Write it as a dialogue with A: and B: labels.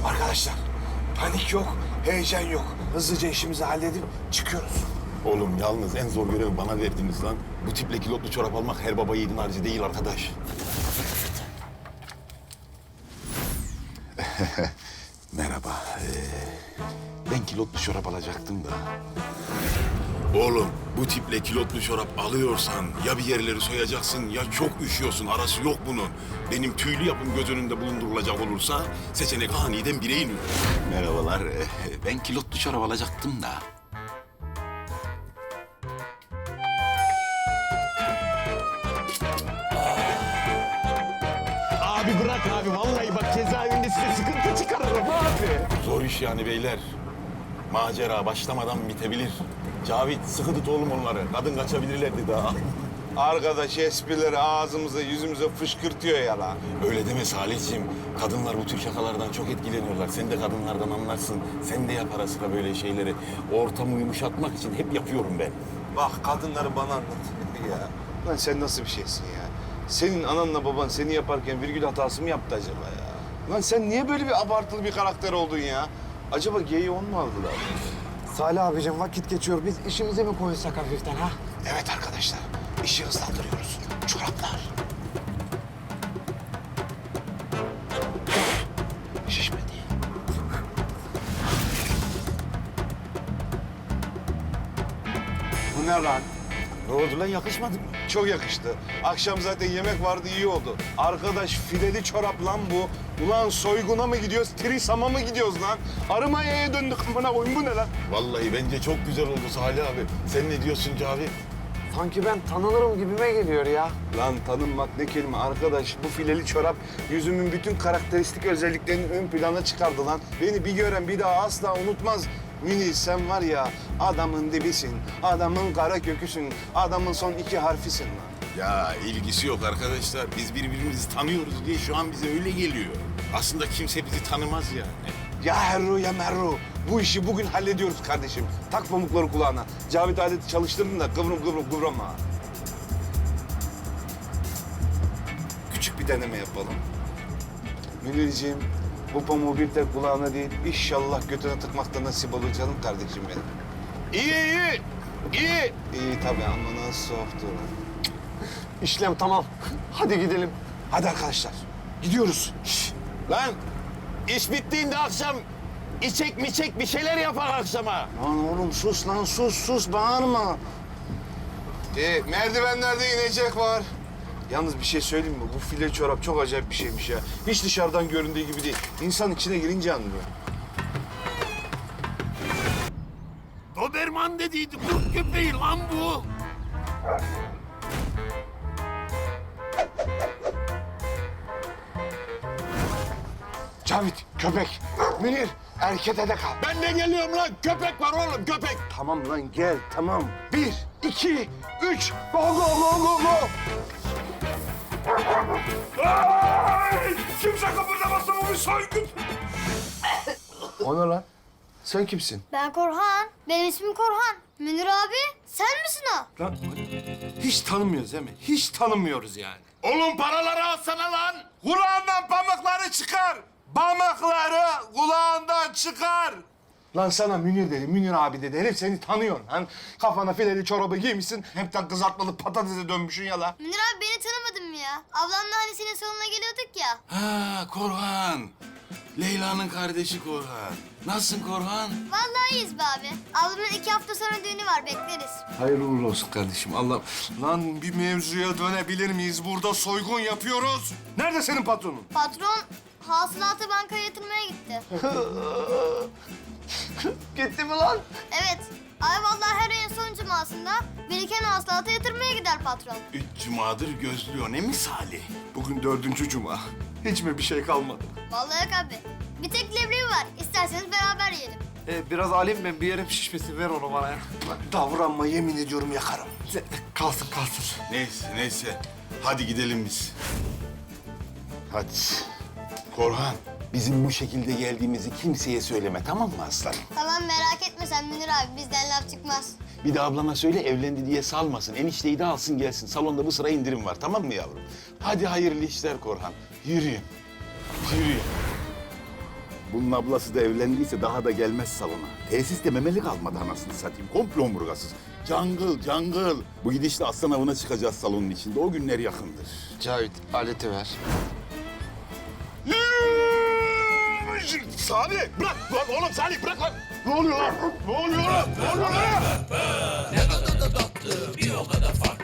A: Arkadaşlar panik yok, heyecan yok. Hızlıca işimizi halledip çıkıyoruz.
B: Oğlum yalnız en zor görevi bana verdiniz lan. Bu tiple kilotlu çorap almak her baba yiğidin harcı değil arkadaş. Merhaba. Ben kilotlu çorap alacaktım da. Oğlum bu tiple kilotlu çorap alıyorsan ya bir yerleri soyacaksın ya çok üşüyorsun. Arası yok bunun. Benim tüylü yapım göz önünde bulundurulacak olursa seçenek aniden bire iniyor. Merhabalar. Ben kilotlu çorap alacaktım da.
C: Abi bırak abi. Vallahi bak cezaevinde size sıkıntı çıkarırım abi.
B: Zor iş yani beyler. Macera başlamadan bitebilir. Cavit sıkı tut oğlum onları. Kadın kaçabilirlerdi daha.
D: Arkadaş esprileri ağzımıza yüzümüze fışkırtıyor ya lan.
B: Öyle deme Salihciğim. Kadınlar bu tür şakalardan çok etkileniyorlar. Sen de kadınlardan anlarsın. Sen de yap ara sıra böyle şeyleri. Ortamı yumuşatmak için hep yapıyorum ben.
D: Bak kadınları bana anlat ya. Lan sen nasıl bir şeysin ya? Senin ananla baban seni yaparken virgül hatası mı yaptı acaba ya? Lan sen niye böyle bir abartılı bir karakter oldun ya? Acaba geyi on mu aldılar?
A: Salih abicim vakit geçiyor. Biz işimize mi koysak hafiften ha?
D: Evet arkadaşlar, işi hızlandırıyoruz. Çoraplar. Şişmedi. Bu ne lan?
B: Ne oldu lan yakışmadı mı?
D: Çok yakıştı. Akşam zaten yemek vardı, iyi oldu. Arkadaş fileli çorap lan bu. Ulan soyguna mı gidiyoruz, Trisam'a mı gidiyoruz lan? Arımaya'ya döndük amına koyayım, bu ne lan?
B: Vallahi bence çok güzel oldu Salih abi. Sen ne diyorsun Cavit?
A: Sanki ben tanınırım gibime geliyor ya.
D: Lan tanınmak ne kelime arkadaş. Bu fileli çorap yüzümün bütün karakteristik özelliklerini ön plana çıkardı lan. Beni bir gören bir daha asla unutmaz. Münir sen var ya adamın dibisin, adamın kara köküsün, adamın son iki harfisin lan.
B: Ya ilgisi yok arkadaşlar. Biz birbirimizi tanıyoruz diye şu an bize öyle geliyor. Aslında kimse bizi tanımaz yani.
D: Ya Herru ya Merru. Bu işi bugün hallediyoruz kardeşim. Tak pamukları kulağına. Cavit aleti çalıştırdın da kıvrama. Küçük bir deneme yapalım. Münirciğim, bu pamuğu bir tek kulağına değil, inşallah götüne tıkmakta nasip olur canım kardeşim benim. İyi. İyi tabii ama nasıl soğuktu.
A: İşlem tamam. Hadi gidelim.
D: Hadi arkadaşlar, gidiyoruz.
B: Lan iş bittiğinde akşam içek bir şeyler yapar akşama.
D: Lan oğlum sus lan, sus bağırma. Merdivenlerde inecek var. Yalnız bir şey söyleyeyim mi? Bu file çorap çok acayip bir şeymiş ya. Hiç dışarıdan göründüğü gibi değil. İnsan içine girince anlıyor.
B: Doberman dediydi kurt köpeği lan bu.
A: Cavit, köpek. Münir, erkete de kal.
B: Ben de geliyorum lan. Köpek var oğlum köpek.
D: Tamam lan gel, tamam.
A: 1, 2, 3. Go, go, go, go, go.
C: Kimse kıpırdamasın bu bir soygun.
D: O ne lan? Sen kimsin?
E: Ben Korhan. Benim ismim Korhan. Münir abi, sen misin o?
D: Lan hiç tanımıyoruz değil mi? Hiç tanımıyoruz yani.
B: Oğlum paraları alsana lan.
D: Kulağından pamukları çıkar. Pamukları kulağından çıkar. Lan sana Münir dedi, Münir abi dedi. Herif seni tanıyor lan. Kafana fileli çorabı giymişsin. Hepten kızartmalı patatese dönmüşsün ya lan.
E: Münir abi beni tanımadın mı ya? Ablamla hani senin salonuna geliyorduk ya.
B: Ha Korhan. Leyla'nın kardeşi Korhan. Nasılsın Korhan?
E: Vallahi iyiyiz be abi. Ablamın 2 hafta sonra düğünü var, bekleriz.
D: Hayırlı uğurlu olsun kardeşim. Allah. Lan bir mevzuya dönebilir miyiz? Burada soygun yapıyoruz. Nerede senin patronun?
E: Patron hasılatı bankaya yatırmaya gitti.
A: Gitti mi lan?
E: Evet. Ay vallahi her ayın son cumasında biriken hasılatı yatırmaya gider patron.
B: 3 cumadır gözlüyor ne misali?
D: Bugün 4. cuma. Hiç mi bir şey kalmadı?
E: Vallahi yok abi. Bir tek leblebi var. İsterseniz beraber yiyelim.
A: Biraz alayım ben. Bir yerim şişmesin. Ver onu bana ya.
D: Davranma yemin ediyorum yakarım.
A: Kalsın.
B: Neyse. Hadi gidelim biz. Hadi. Korhan, bizim bu şekilde geldiğimizi kimseye söyleme tamam mı aslanım?
E: Tamam merak etme sen Münir abi. Bizden laf çıkmaz.
B: Bir de ablana söyle evlendi diye salmasın. Enişteyi de alsın gelsin. Salonda bu sıra indirim var tamam mı yavrum? Hadi hayırlı işler Korhan. Yürüyün. Bunun ablası da evlendiyse daha da gelmez salona. Tesiste memeli kalmadı anasını satayım. Komple omurgasız. Cangıl, cangıl. Bu gidişle aslan avına çıkacağız salonun içinde. O günler yakındır.
D: Cavit aleti ver.
C: Salih bırak lan oğlum Salih bırak lan. Ne oluyor lan? Ne oluyor lan? Ne oluyor lan?
F: Ne kadar da tatlı bir o kadar farklı.